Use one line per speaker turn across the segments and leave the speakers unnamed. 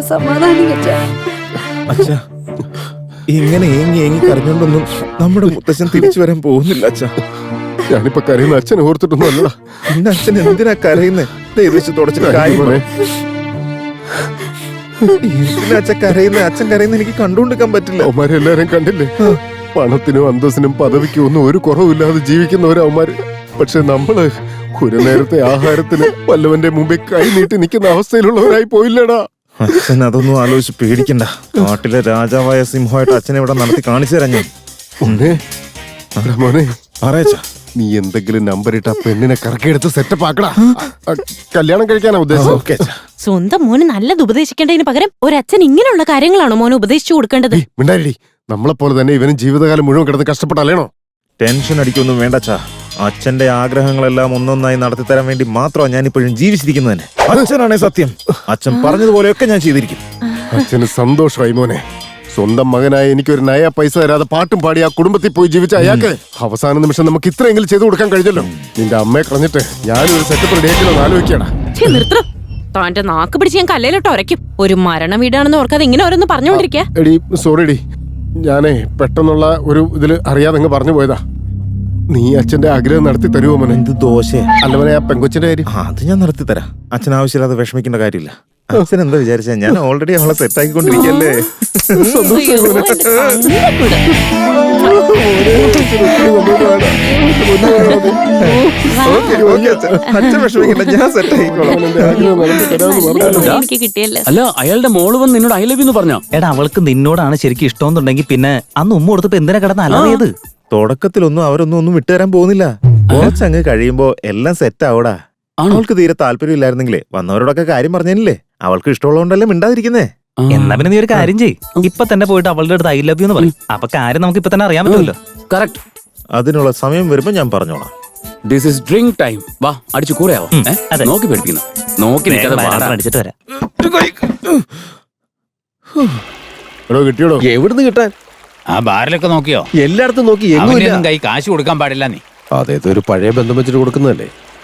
സമാധാനിക്കച്ചാ.
അച്ഛാ, ഇങ്ങനെ ഏങ്ങി കരഞ്ഞോണ്ടൊന്നും നമ്മുടെ മുത്തച്ഛൻ തിരിച്ചു വരാൻ പോകുന്നില്ല അച്ഛാ.
ഞാനിപ്പോ കരയുന്ന അച്ഛനെ ഓർത്തിട്ടൊന്നും അല്ലടാ.
പിന്നെ അച്ഛൻ എന്തിനാ കരയുന്നേ? ദയവേച്ച് തുടച്ചിട്ട് കാര്യം പറ. എന്തിനാ അച്ഛൻ കരയുന്നേ? അച്ഛൻ കരയുന്ന എനിക്ക് കണ്ടുകൊണ്ടിരിക്കാൻ പറ്റില്ല.
അവന്മാരെല്ലാരും കണ്ടില്ലേ? പണത്തിനും അന്തസ്സിനും പദവിക്കും ഒന്നും ഒരു കുറവില്ലാതെ ജീവിക്കുന്നവരാ അവന്മാര്. പക്ഷെ നമ്മള് ഒരു നേരത്തെ ആഹാരത്തിന് വല്ലവന്റെ മുമ്പിൽ കൈ നീട്ടി നിൽക്കുന്ന അവസ്ഥയിലുള്ളവരായി പോയില്ലടാ.
അച്ഛൻ അതൊന്നും ആലോചിച്ച് പേടിക്കണ്ട. നാട്ടിലെ രാജാവായ സിംഹമായിട്ട് അച്ഛനെ ഇവിടെ നടത്തി കാണിച്ചു തരാം ഞാൻ.
മോനെ
പറയച്ചാ,
നീ എന്തെങ്കിലും നമ്പർ ഇട്ട് ആ പെണ്ണിനെ കറക്കിയെടുത്ത് സെറ്റപ്പ് ആക്കടാ. കല്യാണം കഴിക്കാനാ ഉദ്ദേശം.
ഓക്കേ അച്ഛാ.
സ്വന്തം മോന് നല്ലത് ഉപദേശിക്കേണ്ടതിന് പകരം ഒരച്ഛൻ ഇങ്ങനെയുള്ള കാര്യങ്ങളാണോ മോനെ ഉപദേശിച്ചു കൊടുക്കേണ്ടത്?
മിണ്ടായി. നമ്മളെ പോലെ തന്നെ ഇവനും ജീവിതകാലം മുഴുവൻ കിടന്ന് കഷ്ടപ്പെട്ടല്ലേണോ?
ടെൻഷൻ അടിക്കൊന്നും വേണ്ടച്ചാ. അച്ഛന്റെ ആഗ്രഹങ്ങളെല്ലാം ഒന്നൊന്നായി നടത്തിത്തരാൻ വേണ്ടി മാത്രമാണ് ഞാൻ ഇപ്പോഴും ജീവിച്ചിരിക്കുന്നത് തന്നെ. അച്ഛനാണേ സത്യം. അച്ഛൻ പറഞ്ഞതുപോലെയൊക്കെ ഞാൻ ചെയ്തിരിക്കും.
അച്ഛന് സന്തോഷമായി മോനെ. സ്വന്തം മകനായ എനിക്കൊരു നയ പൈസ തരാതെ പാട്ടും പാടി ആ കുടുംബത്തിൽ പോയി ജീവിച്ച അയാൾക്ക് അവസാന നിമിഷം നമുക്ക് ഇത്രയെങ്കിലും ചെയ്തു കൊടുക്കാൻ കഴിഞ്ഞല്ലോ. നിന്റെ അമ്മയെ കളഞ്ഞിട്ട് ഞാനൊരു സെറ്റപ്പ് റെഡിയാക്കിയോ ആലോചിക്കണ.
നിർത്തണം. താന്റെ നാക്ക് പിടിച്ച് ഞാൻ കല്ലിലിട്ട് ഉരയ്ക്കും. ഒരു മരണ വീടാണെന്ന് ഓർക്കാതെ ഇങ്ങനെ ഓരോന്ന് പറഞ്ഞുകൊണ്ടിരിക്കാ.
എടി സോറിടി, ഞാനേ പെട്ടെന്നുള്ള ഒരു ഇതില് അറിയാതെ പറഞ്ഞു പോയതാ. നീ അച്ഛന്റെ ആഗ്രഹം നടത്തി തരുമോ മോനെ?
എന്ത് ദോശ
അല്ല മോനെ, ആ പെങ്കൊച്ചിന്റെ കാര്യം
അത് ഞാൻ നടത്തി തരാം. അച്ഛൻ ആവശ്യമില്ലാതെ വിഷമിക്കേണ്ട കാര്യമില്ല. അച്ഛൻ എന്താ വിചാരിച്ച ഞാൻ ഓൾറെഡി അവളെ സെറ്റാക്കിക്കൊണ്ടിരിക്കല്ലേ. അച്ഛൻ വിഷമിക്കണ്ട, ഞാൻ സെറ്റാക്കിക്കോളാം.
എനിക്ക് കിട്ടിയല്ലേ.
അല്ല, അയാളുടെ മോള് വന്ന് നിന്നോട് ഐ ലവ് യു എന്ന് പറഞ്ഞോ?
എടാ, അവൾക്ക് നിന്നോടാണ് ശരിക്കും ഇഷ്ടമെന്നുണ്ടെങ്കിൽ പിന്നെ അന്ന് ഉമ്മ കൊടുത്തപ്പോ എന്തിനാ കിടന്ന് അലറിയത്?
തുടക്കത്തിലൊന്നും അവരൊന്നും വിട്ടുതരാൻ പോകുന്നില്ല. കുറച്ചങ്ങ് കഴിയുമ്പോ എല്ലാം സെറ്റ് ആവൂടാ. അവൾക്ക് തീരെ താല്പര്യം ഇല്ലായിരുന്നെങ്കിലേ വന്നവരോടൊക്കെ കാര്യം പറഞ്ഞില്ലേ. അവൾക്ക് ഇഷ്ടമുള്ളതുകൊണ്ടല്ലേ മിണ്ടാതിരിക്കുന്നേ.
എന്നാ പിന്നെ നീ ഒരു കാര്യം ചെയ്യ്, ഇപ്പൊ തന്നെ പോയിട്ട് അവളുടെ അടുത്ത് ഐ ലവ് യു എന്ന് പറയും. അപ്പൊ കാര്യം നമുക്ക് ഇപ്പൊ തന്നെ അറിയാൻ പറ്റുമല്ലോ.
കറക്റ്റ്.
അതിനുള്ള സമയം വരുമ്പോ ഞാൻ പറഞ്ഞോളാം.
This is drink time. വാ, അടിച്ചു കൂടെയാവോ?
അതെ.
നോക്കി പേടിക്കുന്നു. നോക്കി നിൽക്കാതെ വാടാ.
അടിച്ചിട്ട് വരാം.
എടോ കിട്ടിയോടോ?
എവിടുന്ന് കിട്ടാൻ?
ആ ബാറിലൊക്കെ നോക്കിയോ?
എല്ലായിടത്തും നോക്കി,
അവനൊന്നും കൈ കാശ് കൊടുക്കാൻ പാടില്ല നീ.
അതേത് ഒരു പഴയ ബന്ധം വെച്ചിട്ട് കൊടുക്കുന്നതല്ലേ.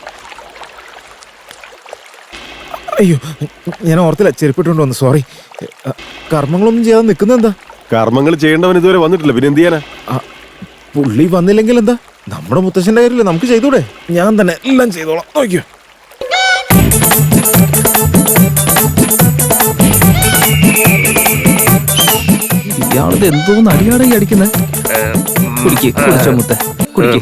അയ്യോ, ഞാൻ ഓർത്തില്ല, ചെരുപ്പിട്ടുകൊണ്ട് വന്നു. സോറി. കർമ്മങ്ങളൊന്നും ചെയ്യാതെ നിൽക്കുന്ന എന്താ?
കർമ്മങ്ങൾ ചെയ്യേണ്ടവൻ ഇതുവരെ വന്നിട്ടില്ല, പിന്നെ എന്ത് ചെയ്യാനാ?
പുള്ളി വന്നില്ലെങ്കിൽ എന്താ? നമ്മുടെ മുത്തശ്ശന്റെ കാര്യമില്ലേ, നമുക്ക് ചെയ്തൂടെ? ഞാൻ തന്നെ എല്ലാം ചെയ്തോളാം. നോക്കിയോ.
ഇയാളത് എന്തോന്ന് അടിയാടായി അടിക്കുന്നത്? കുടിച്ചോ മുത്ത, കുടിക്ക്.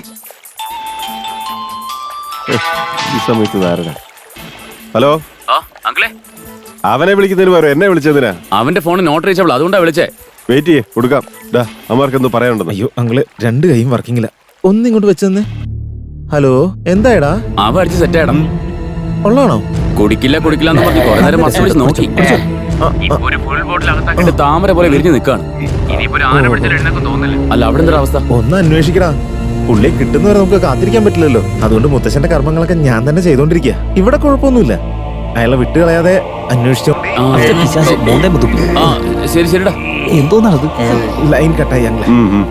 ഈ സമയത്ത് ധാരണ. ഹലോ,
അങ്കിളെ,
അവനെ വിളിക്കുന്നതിന് പകരം എന്നെ വിളിച്ചതിനാ?
അവന്റെ ഫോൺ നോട്ട് റീച്ചബിൾ, അതുകൊണ്ടാ വിളിച്ചേ.
വെയിറ്റ് ചെയ്യേ, കൊടുക്കാം. അമ്മമാർക്ക് എന്തോ പറയാനുണ്ടെന്ന്.
അയ്യോ അങ്ങള്, രണ്ട് കൈയും വർക്കിങ്ങില്ല. ഒന്നിങ്ങോട്ട് വെച്ചെന്ന്. ഹലോ, എന്തായടാ?
അവ അടിച്ച് സെറ്റ് ആയിടാം.
ഉള്ളാണോ?
കുടിക്കില്ല എന്ന് പറഞ്ഞ് കുറെ നേരം മറച്ചു പിടിച്ച് നോക്കി. ഒരു ഫുൾ ബോട്ടിൽ അകത്താക്കിട്ട് താമര പോലെ വിരിഞ്ഞു നിൽക്കാണ്. അല്ല, അവിടെ എന്തൊരു അവസ്ഥ?
ഒന്ന് അന്വേഷിക്കടാ. പുള്ളിയെ കിട്ടുന്നവരെ നമുക്ക് കാത്തിരിക്കാൻ പറ്റില്ലല്ലോ. അതുകൊണ്ട് മുത്തശ്ശന്റെ കർമ്മങ്ങളൊക്കെ ഞാൻ തന്നെ ചെയ്തോണ്ടിരിക്കുക. ഇവിടെ കുഴപ്പമൊന്നുമില്ല. അയാളെ വിട്ടുകളയാതെ അന്വേഷിച്ചോ.
ശരി ശരിടാ.
എന്തോന്നാണത്?
ലൈൻ കട്ടായി ഞങ്ങളെ.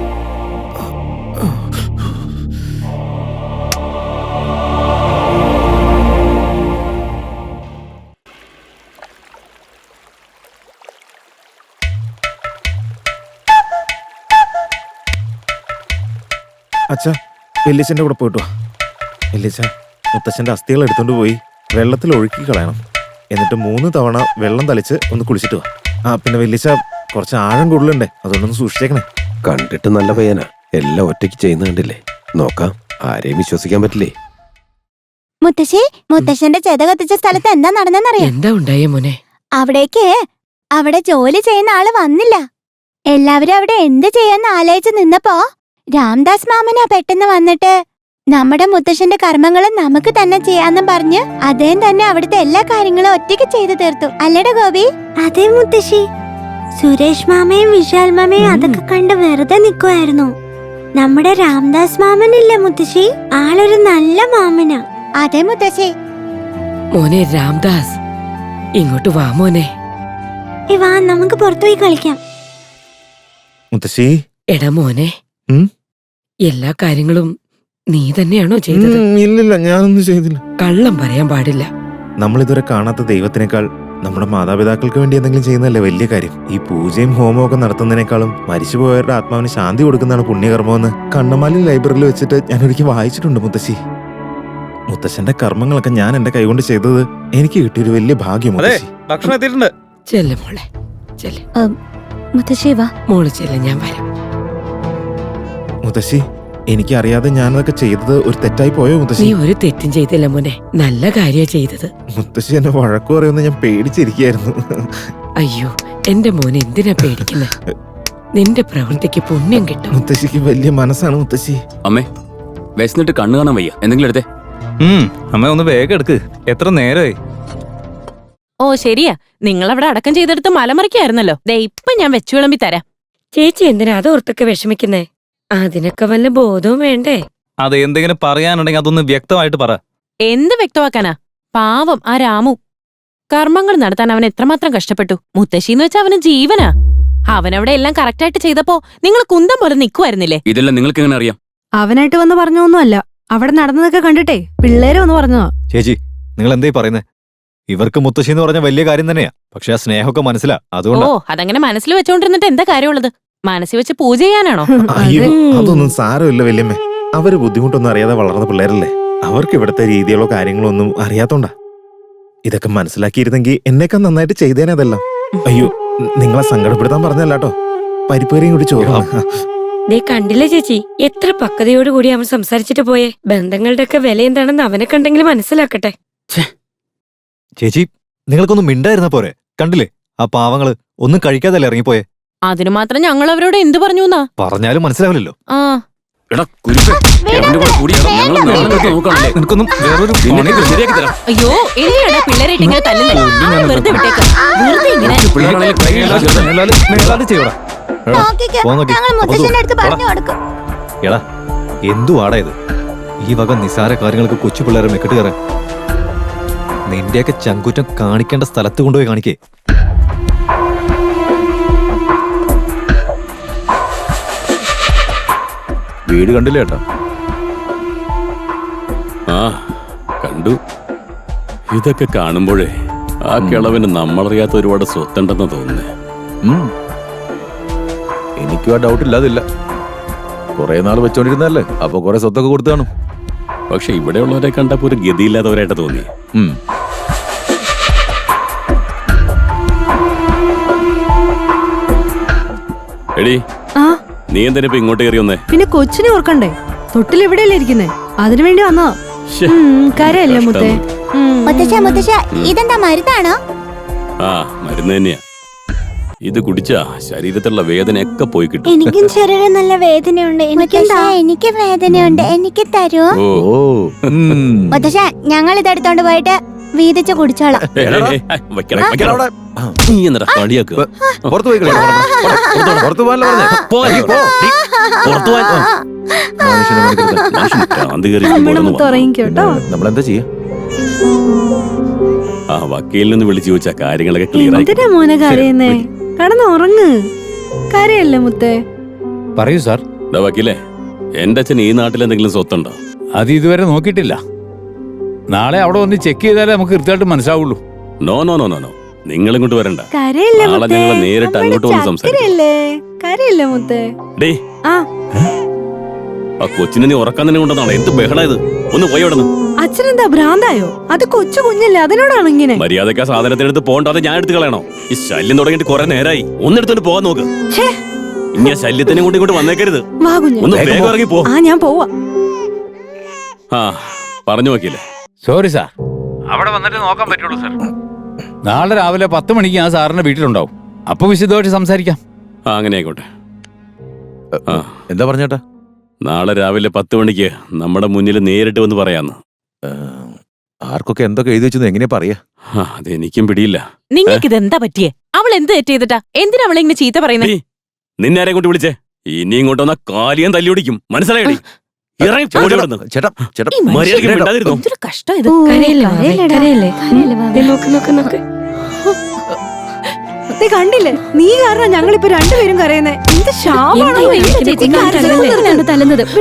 അച്ഛാ, വെല്ലിച്ചന്റെ കൂടെ പോയിട്ട് വാ. വെല്ലിച്ച, മുത്തച്ഛന്റെ അസ്ഥികൾ എടുത്തോണ്ട് പോയി വെള്ളത്തിൽ ഒഴുക്കി കളയണം. എന്നിട്ട് 3 തവണ വെള്ളം തളിച്ച് ഒന്ന് കുളിച്ചിട്ട് വാ. പിന്നെ വെല്ലിച്ച, കുറച്ച് ആഴം കൂടുതലുണ്ടേ, അതുകൊണ്ടൊന്ന് സൂക്ഷിച്ചേക്കണേ.
കണ്ടിട്ട് നല്ല പയ്യനാ, എല്ലാം ഒറ്റയ്ക്ക് ചെയ്യുന്ന കണ്ടില്ലേ. നോക്കാം, ആരെയും വിശ്വസിക്കാൻ പറ്റില്ലേ.
മുത്തശ്ശന്റെ ചെത കത്തിച്ച സ്ഥലത്ത് എന്താ നടന്നെന്നറിയാം?
എന്താ ഉണ്ടായേ മോനെ?
അവിടെ ജോലി ചെയ്യുന്ന ആള് വന്നില്ല. എല്ലാവരും അവിടെ എന്ത് ചെയ്യാന്ന് ആലോചിച്ച് നിന്നപ്പോ രാംദാസ് മാമനാ പെട്ടെന്ന് വന്നിട്ട് നമ്മുടെ മുത്തശ്ശന്റെ കർമ്മങ്ങൾ നമുക്ക് തന്നെ ചെയ്യാന്നും പറഞ്ഞ് അദ്ദേഹം തന്നെ അവിടുത്തെ എല്ലാ കാര്യങ്ങളും ഒറ്റയ്ക്ക് ചെയ്തു തീർത്തു. അല്ലട ഗോപി?
അതെ മുത്തശ്ശി, സുരേഷ് മാമയും വിശാൽ മാമയും അതൊക്കെ കണ്ട് വെറുതെ നിൽക്കുമായിരുന്നു. നമ്മുടെ രാംദാസ് മാമനില്ലേ മുത്തശ്ശി, ആളൊരു നല്ല മാമനാ.
അതെ മുത്തശ്ശി.
മോനെ രാംദാസ്, ഇങ്ങോട്ട് വാ മോനെ.
വാ, നമുക്ക് പുറത്തുപോയി കളിക്കാം.
മുത്തശ്ശി.
എടാ മോനെ, എല്ലാ കാര്യങ്ങളും നീ തന്നെയാണോ ചെയ്തത്?
ഇല്ലില്ല, ഞാനൊന്നും ചെയ്തില്ല.
കള്ളം പറയാൻ പാടില്ല.
നമ്മളിതുവരെ കാണാത്ത ദൈവത്തിനേക്കാൾ നമ്മുടെ മാതാപിതാക്കൾക്ക് വേണ്ടി എന്തെങ്കിലും ചെയ്യുന്നതല്ലേ വലിയ കാര്യം. ഈ പൂജയും ഹോമവും ഒക്കെ നടത്തുന്നതിനേക്കാളും മരിച്ചുപോയവരുടെ ആത്മാവിന് ശാന്തി കൊടുക്കുന്നതാണ് പുണ്യകർമ്മമെന്ന് കണ്ണമാലി ലൈബ്രറിയിൽ വെച്ചിട്ട് ഞാൻ ഒരിക്കൽ വായിച്ചിട്ടുണ്ട് മുത്തശ്ശി. മുത്തശ്ശന്റെ കർമ്മങ്ങളൊക്കെ ഞാൻ എന്റെ കൈകൊണ്ട് ചെയ്തത് എനിക്ക് കിട്ടിയൊരു വലിയ ഭാഗ്യം മുത്തശ്ശി.
ഭക്ഷണം എത്തിയിട്ടുണ്ട്.
ചെല്ല് മോളെ ചെല്ല്.
മുത്തശ്ശി വാ.
മോള് ചെല്ല്, ഞാൻ വരാം.
മുത്തശ്ശി, എനിക്കറിയാതെ ഞാനതൊക്കെ ചെയ്തത് ഒരു തെറ്റായി പോയോ
നീ
മുത്തശ്ശി?
ഒരു തെറ്റും ചെയ്തില്ല മോനെ, നല്ല കാര്യ ചെയ്തത്.
മുത്തശ്ശി എന്നെ വഴക്കു പറയുമെന്ന് ഞാൻ പേടിച്ചിരിക്കുകയായിരുന്നു.
അയ്യോ എന്റെ മോനെ എന്തിനാ പേടിക്കുന്നത്? നിന്റെ പ്രവൃത്തിക്ക് പുണ്യം കിട്ടും.
മുത്തശ്ശിക്ക് വലിയ മനസ്സാണ് മുത്തശ്ശി.
അമ്മേ വിശന്നിട്ട് കണ്ണു കാണാൻ വയ്യ, എന്തെങ്കിലും എടുത്തേ.
അമ്മ ഒന്ന് വേഗം എടുക്ക്. എത്ര നേരമായി?
ഓ ശരിയാ, നിങ്ങളവിടെ അടക്കം ചെയ്തെടുത്ത് മലമറിക്കായിരുന്നല്ലോ. ദേ ഇപ്പൊ ഞാൻ വെച്ചു വിളമ്പി തരാം.
ചേച്ചി എന്തിനാ അതോർത്തൊക്കെ വിഷമിക്കുന്നേ? അതിനൊക്കെ വല്ല ബോധവും വേണ്ടേ?
അത് എന്തെങ്കിലും പറയാനുണ്ടെങ്കിൽ അതൊന്ന് വ്യക്തമായിട്ട് പറ.
എന്ത് വ്യക്തമാക്കാനാ? പാവം ആ രാമു. കർമ്മങ്ങൾ നടത്താൻ അവൻ എത്രമാത്രം കഷ്ടപ്പെട്ടു. മുത്തശ്ശിന്ന് വെച്ചാ അവന് ജീവനാ. അവനവിടെ എല്ലാം കറക്റ്റായിട്ട് ചെയ്തപ്പോ നിങ്ങൾ കുന്തം പോലെ നിൽക്കുമായിരുന്നില്ലേ?
ഇതെല്ലാം നിങ്ങൾക്ക് എങ്ങനെ അറിയാം?
അവനായിട്ട് വന്ന് പറഞ്ഞൊന്നുമല്ല, അവിടെ നടന്നതൊക്കെ കണ്ടിട്ടേ പിള്ളേരെ ഒന്ന് പറഞ്ഞതാ.
ചേച്ചി, നിങ്ങൾ എന്തായി പറയുന്നത്? ഇവർക്ക് മുത്തശ്ശി എന്ന് പറഞ്ഞ വലിയ കാര്യം തന്നെയാ. പക്ഷെ ആ സ്നേഹമൊക്കെ മനസ്സിലാ. അതുകൊണ്ട്
ഓ അതങ്ങനെ മനസ്സിൽ വെച്ചോണ്ടിരുന്നിട്ട് എന്താ കാര്യമുള്ളത്? മനസ്സിൽ വെച്ച് പൂജ ചെയ്യാനാണോ?
അയ്യോ, അതൊന്നും സാരമില്ല വല്യമ്മേ. അവര് ബുദ്ധിമുട്ടൊന്നും അറിയാതെ വളർന്ന പിള്ളേരല്ലേ. അവർക്ക് ഇവിടുത്തെ രീതികളോ കാര്യങ്ങളോ ഒന്നും അറിയാത്തോണ്ടാ. ഇതൊക്കെ മനസ്സിലാക്കിയിരുന്നെങ്കിൽ എന്നേക്കാൾ നന്നായിട്ട് ചെയ്തേനെ അതെല്ലാം. അയ്യോ, നിങ്ങളെ സങ്കടപ്പെടുത്താൻ പറഞ്ഞല്ലാട്ടോ. പരിപ്പേറിയും കൂടി ചോദിക്കണം.
ദേ കണ്ടില്ലേ ചേച്ചി, എത്ര പക്വതയോടുകൂടി അവൻ സംസാരിച്ചിട്ട് പോയേ. ബന്ധങ്ങളുടെ ഒക്കെ വില എന്താണെന്ന് അവനെ കണ്ടെങ്കിലും മനസ്സിലാക്കട്ടെ.
ചേച്ചി, നിങ്ങൾക്കൊന്നും മിണ്ടായിരുന്ന പോരെ? കണ്ടില്ലേ ആ പാവങ്ങള് ഒന്നും കഴിക്കാതല്ലേ ഇറങ്ങിപ്പോയെ.
അതിനു മാത്രം ഞങ്ങൾ അവരോട് എന്തു പറഞ്ഞു എന്നാ?
പറഞ്ഞാലും മനസ്സിലാവില്ലല്ലോ.
ആ
എടാ കുരുപ്പേ, അവന്റെ കൂടെ കൂടി ഞങ്ങൾ നാളെ നോക്കാണല്ലേ.
നിനക്കൊന്നും വേറൊരു
നിന്നെ ശരിയാക്കി തരാം.
അയ്യോ എന്തിനാടാ പിള്ളേരായിട്ട് ഇങ്ങനെ തല്ലുന്നേ? വെറുതെ വിട്ടേക്കാം. വെറുതെ ഇങ്ങനെ
പിള്ളേരാണെങ്കിൽ കൈ
ചെയ്യടാ. എടാ, എന്തുവാടാ ഇത്? ഈ വക നിസാര കാര്യങ്ങൾക്ക് കൊച്ചു പിള്ളേരെ മെക്കിട്ട് കയറാൻ. നിന്റെയൊക്കെ ചങ്കുറ്റം കാണിക്കേണ്ട സ്ഥലത്ത് കൊണ്ടുപോയി കാണിക്കേ.
വീട് കണ്ടില്ല ഏട്ടാ?
ആ കണ്ടു. ഇതൊക്കെ കാണുമ്പോഴേ ആ കിളവിന് നമ്മളറിയാത്ത ഒരുപാട് സ്വത്തുണ്ടെന്ന് തോന്നുന്നേ.
എനിക്കും ആ ഡൗട്ട് ഇല്ലാതില്ല. കുറെ നാൾ വെച്ചോണ്ടിരുന്നല്ലേ, അപ്പൊ കുറെ സ്വത്തൊക്കെ കൊടുത്തു കാണും.
പക്ഷെ ഇവിടെയുള്ളവരെ കണ്ടപ്പോ ഒരു ഗതിയില്ലാത്തവരായിട്ട് തോന്നി. എടി, നീ എന്തിനാ ഇപ്പൊ ഇങ്ങോട്ട് കയറി വന്നേ?
പിന്നെ കൊച്ചിനെ ഓർക്കണ്ടേ? തൊട്ടിൽ എവിടെയല്ലേ ഇരിക്കുന്നേ? അതിനു വേണ്ടി വന്നോ? കരയല്ലേ മുത്തേ?
മുത്തശ്ശ ഇതെന്താ മരുന്നാണോ?
ആ മരുന്ന് തന്നെയാ. ഇത് കുടിച്ചാ ശരീരത്തിലുള്ള വേദനയൊക്കെ പോയി കിട്ടും.
എനിക്കും ശരീരം നല്ല വേദനയുണ്ട്.
എനിക്ക് വേദനയുണ്ട്, എനിക്ക് തരുമോ?
ഓ
മുത്തശ്ശ, ഞങ്ങൾ ഇതെടുത്തോണ്ട് പോയിട്ട് വീതിച്ച് കുടിച്ചോളാം.
നീ എന്താ കളിയാക്കുക?
പുറത്തു പോയി പുറത്തു പോകാനല്ലോ നമ്മളെന്താ ചെയ്യാ?
ആ വക്കീലിൽ നിന്ന് വിളിച്ചു ചോദിച്ചാ കാര്യങ്ങളൊക്കെ ക്ലിയർ ആയി.
എന്തിനാ മോനെ കരയുന്നേ? കടന്നുറങ്ങ്. കരയല്ലേ മുത്തേ?
പറയൂ സാർ.
വക്കീലേ, എന്റെ അച്ഛൻ ഈ നാട്ടിൽ എന്തെങ്കിലും സ്വത്തുണ്ടോ?
അത് ഇതുവരെ നോക്കിയിട്ടില്ല. നാളെ അവിടെ ഒന്ന് ചെക്ക് ചെയ്താലേ നമുക്ക് കൃത്യമായിട്ട് മനസ്സിലാവുള്ളൂ.
No no no no no, നിങ്ങൾ ഇങ്ങോട്ട് വരണ്ട.
കരയല്ലേ
നാളെ ഞങ്ങൾ നേരിട്ട് അങ്ങോട്ട് വന്ന് സംസാരിക്കാം.
കരയല്ലേ മുത്തേ?
ഡേ, ആ കൊച്ചിനെ നീ ഉറക്കാൻ തന്നെ കൊണ്ടെന്നാണ്. എന്ത് ബഹളായത്? ഒന്ന് പോയി അവിടെ.
അച്ഛനെന്താ ഭ്രാന്തായോ? അത് കൊച്ചു കുഞ്ഞല്ലേ, അതിനോടാണ് ഇങ്ങനെ.
മര്യാദക്ക് ആ സാധനത്തിനെടുത്ത് പോകണ്ട, അത് ഞാൻ എടുത്ത് കളയണോ? ഈ ശല്യം തുടങ്ങിയിട്ട് കുറെ നേരമായി. ഒന്നെടുത്തോണ്ട് പോകാൻ നോക്ക്. ഇനി ആ ശല്യത്തിനെ കൊണ്ട് ഇങ്ങോട്ട് വന്നേക്കരുത്. ഒന്ന് വേഗം ഇറങ്ങി പോ.
ഞാൻ പോവാ.
ആ പറഞ്ഞു നോക്കിയില്ലേ?
സോറി സാർ, അവിടെ വന്നിട്ട് നോക്കാൻ പറ്റുള്ളൂ സാർ. നാളെ രാവിലെ 10 മണിക്ക് ഞാൻ സാറിന്റെ വീട്ടിലുണ്ടാവും. അപ്പൊ വിശദമായിട്ട് സംസാരിക്കാം.
ആ അങ്ങനെ ആയിക്കോട്ടെ.
എന്താ പറഞ്ഞേട്ടാ?
നാളെ രാവിലെ 10 മണിക്ക് നമ്മുടെ മുന്നിൽ നേരിട്ട് വന്ന് പറയാന്ന്.
ആർക്കൊക്കെ എന്തൊക്കെ എഴുതി വെച്ചെന്ന് എങ്ങനെയാ പറയാ?
അതെനിക്കും പിടിയില്ല.
നിങ്ങൾക്ക് ഇതെന്താ പറ്റിയേ? അവൾ എന്ത് തെറ്റ് ചെയ്തിട്ടാ? എന്തിനാ അവളെ ഇങ്ങനെ ചീത്ത പറയുന്നത്?
നിന്നെ ആരെ കൊണ്ട് വിളിച്ചേ? ഇനി ഇങ്ങോട്ട് വന്ന കാലിയാൻ തല്ലി ഓടിക്കും. മനസ്സിലായി?
എന്തൊരു കഷ്ടം ഇത്.
കണ്ടില്ലേ? നീ കാരണം ഞങ്ങളിപ്പോ രണ്ടുപേരും കരയുന്നേ. എന്ത് ശാപാണോ തല്ലുന്നത്?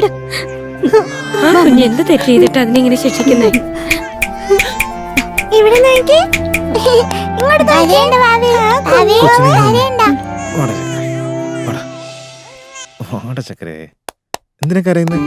എന്ത് തെറ്റ് ചെയ്തിട്ട് അതിനെങ്ങനെ ശിക്ഷിക്കുന്നേ?
ഇവിടെ നോക്കി, കരയണ്ട വാവി. വാവി,
കൊച്ചിനെ
കരയണ്ട.
വാടാ ചക്കരെ വാടാ ചക്കരെ എന്തിനാ കരയുന്നത്?